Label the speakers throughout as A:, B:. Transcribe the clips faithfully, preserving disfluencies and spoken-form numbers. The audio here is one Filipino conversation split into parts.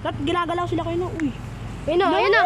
A: Ba't ginagalaw sila kayo na? Uy.
B: Ayun na, ayun na.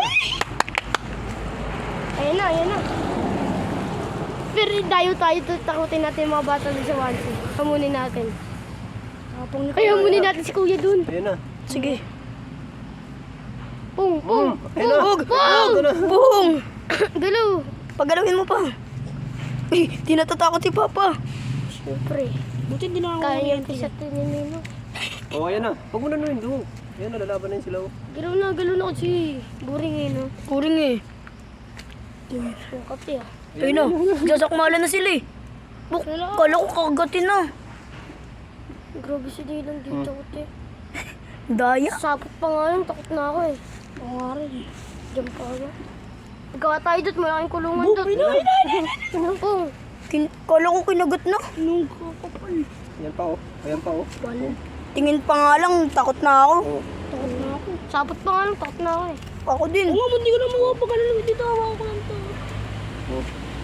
B: Ayun na, ayun na. Pero dayo tayo, takutin natin yung mga bata dun sa Wansi. Hamunin natin.
A: Tapong ni
B: Kaya hamunin natin si Kuya dun.
C: Ayun na.
A: Sige.
B: Pung, pung,
C: Ayun na.
B: pung, pung!
C: Ito na.
A: Buhong!
B: Galaw!
A: Pagalawin mo pa. Uy, di natatakot si Papa.
B: Siyempre.
A: Buti hindi na ako
B: Kaya yung
A: kuryente.
B: pisat ni Nino.
C: Oh, ayan na. Huwag mo na nuhin doon. Ayan na, lalaban na yun sila. oh.
B: Galaw na, galaw na kasi. Boring eh, no?
A: Kuring eh.
B: Yung kape ah.
A: Ayun na, sasakmala na sila eh. Buk, kala ko kagatin na.
B: Grabe si Dylan dito, kuti.
A: Daya.
B: Sapot pa nga lang, takot na ako eh.
A: Oo nga rin eh.
B: Diyan pa ako. Pagkawa tayo doon, malaking kulungan
A: Bu,
B: doon.
A: ayun na, ayun na, ayun na.
B: Ano po?
A: Kin kala ko kinagat na. Nung kakapal.
C: Ayan pa oh. Ayan pa oh.
A: Tingin pa nga lang, takot na ako.
C: Oh.
B: Takot na ako. Sapot pa nga lang, takot na ako eh.
A: Ako din. Oo nga, hindi ko na makapag-alala dito. Hawa ko lang to.
C: Oh.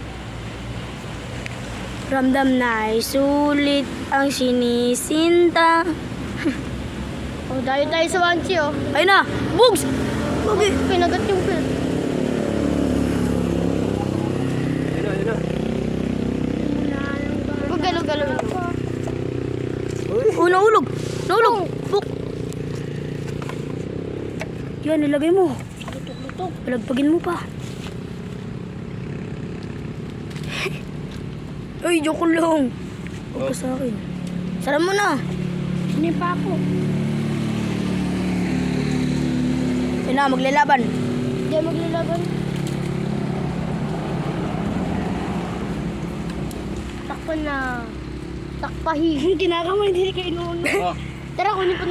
A: Ramdam na ay sulit ang sinisinta.
B: Oh, dayo tayo sa Wansi oh.
A: Ayun na, bugs! Bugi!
B: Pinagat yung pil.
C: Ayun na, ayun na.
B: Huwag galaw-galaw.
C: Uy.
A: Oh, nahulog! Nahulog! Buk! Yan, nilagay mo.
B: Lutok-lutok.
A: Palagpagin mo pa. Ay, joke lang. Huwag ka sa akin. Sara mo na.
B: Sino pa ako?
A: Ayun na, maglalaban.
B: Hindi maglalaban. Takpan na. Takpahi.
A: Kinakamay, hindi kayo noon.
C: Oh.
B: Tara, kunin pa